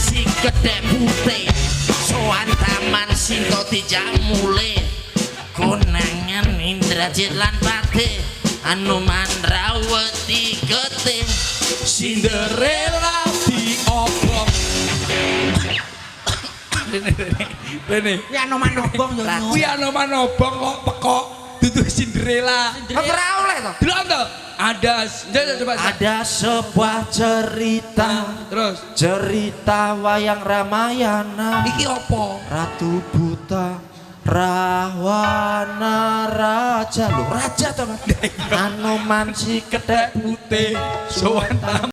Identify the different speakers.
Speaker 1: si kedek putih soan taman sinto dijamule konangan Indrajit lan Patih Anoman Rawati getih
Speaker 2: Cinderella diobrol. Rene.
Speaker 3: Kuwi Anoman Obong ya.
Speaker 2: Kuwi Anoman Obong kok pekok dudu Cinderella.
Speaker 3: Ora oleh to.
Speaker 2: Delok to. Ada coba.
Speaker 1: ada sebuah cerita
Speaker 2: Terus
Speaker 1: cerita wayang Ramayana
Speaker 2: iki apa?
Speaker 1: Ratu Buta Rahwana Raja lho raja to Mas Anoman si kedek
Speaker 2: Putih sowan